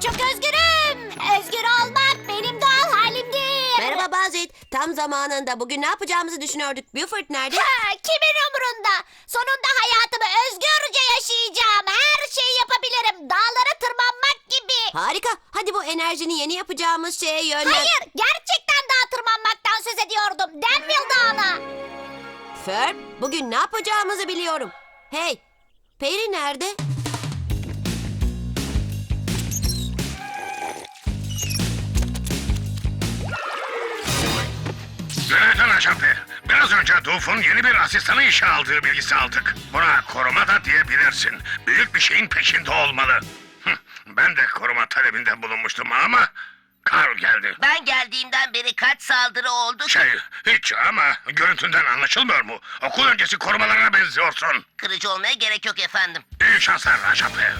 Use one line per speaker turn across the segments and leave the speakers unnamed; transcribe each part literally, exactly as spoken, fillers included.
çok özgürüm. Özgür olmak benim doğal halimdir.
Merhaba Bazit. Tam zamanında. Bugün ne yapacağımızı düşünüyorduk. Buford nerede?
Ha, kimin umurunda? Sonunda hayatımı özgürce yaşayacağım. Her şeyi yapabilirim. Dağlara tırmanmak gibi.
Harika. Hadi bu enerjini yeni yapacağımız şeye yönlen.
Hayır, gerçekten dağa tırmanmaktan söz ediyordum. Denville Dağı'na.
Ferb, bugün ne yapacağımızı biliyorum. Hey, Peri nerede?
Günaydın Aşape. Biraz önce Duf'un yeni bir asistanı işe aldığı bilgisi aldık. Buna koruma da diyebilirsin. Büyük bir şeyin peşinde olmalı. Hıh, ben de koruma talebinde bulunmuştum ama Karl geldi.
Ben geldiğimden beri kaç saldırı oldu?
Şey, hiç ama görüntünden anlaşılmıyor mu? Okul öncesi korumalarına benziyorsun.
Kırıcı olmaya gerek yok efendim.
İyi şanslar Aşape.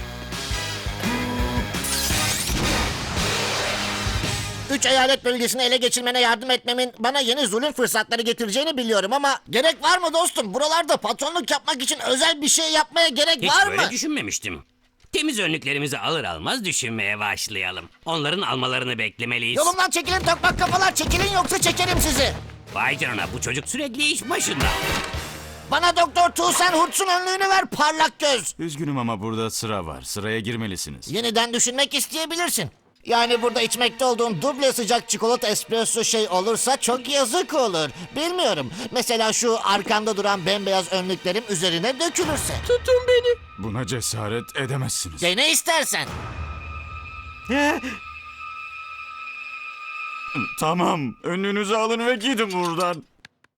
Üç eyalet bölgesini ele geçirmene yardım etmemin bana yeni zulüm fırsatları getireceğini biliyorum ama gerek var mı dostum? Buralarda patronluk yapmak için özel bir şey yapmaya gerek
Hiç
var
böyle
mı?
düşünmemiştim. Temiz önlüklerimizi alır almaz düşünmeye başlayalım. Onların almalarını beklemeliyiz.
Yolumdan çekilin tokmak kafalar, çekilin yoksa çekerim sizi.
Vay canına, bu çocuk sürekli iş başında.
Bana Doktor Tuğsen Hurt'sun önlüğünü ver parlak göz.
Üzgünüm ama burada sıra var. Sıraya girmelisiniz.
Yeniden düşünmek isteyebilirsin. Yani burada içmekte olduğum duble sıcak çikolata espresso şey olursa çok yazık olur. Bilmiyorum. Mesela şu arkamda duran bembeyaz önlüklerim üzerine dökülürse.
Tutun beni.
Buna cesaret edemezsiniz.
Dene istersen.
Tamam, önlüğünüzü alın ve gidin buradan.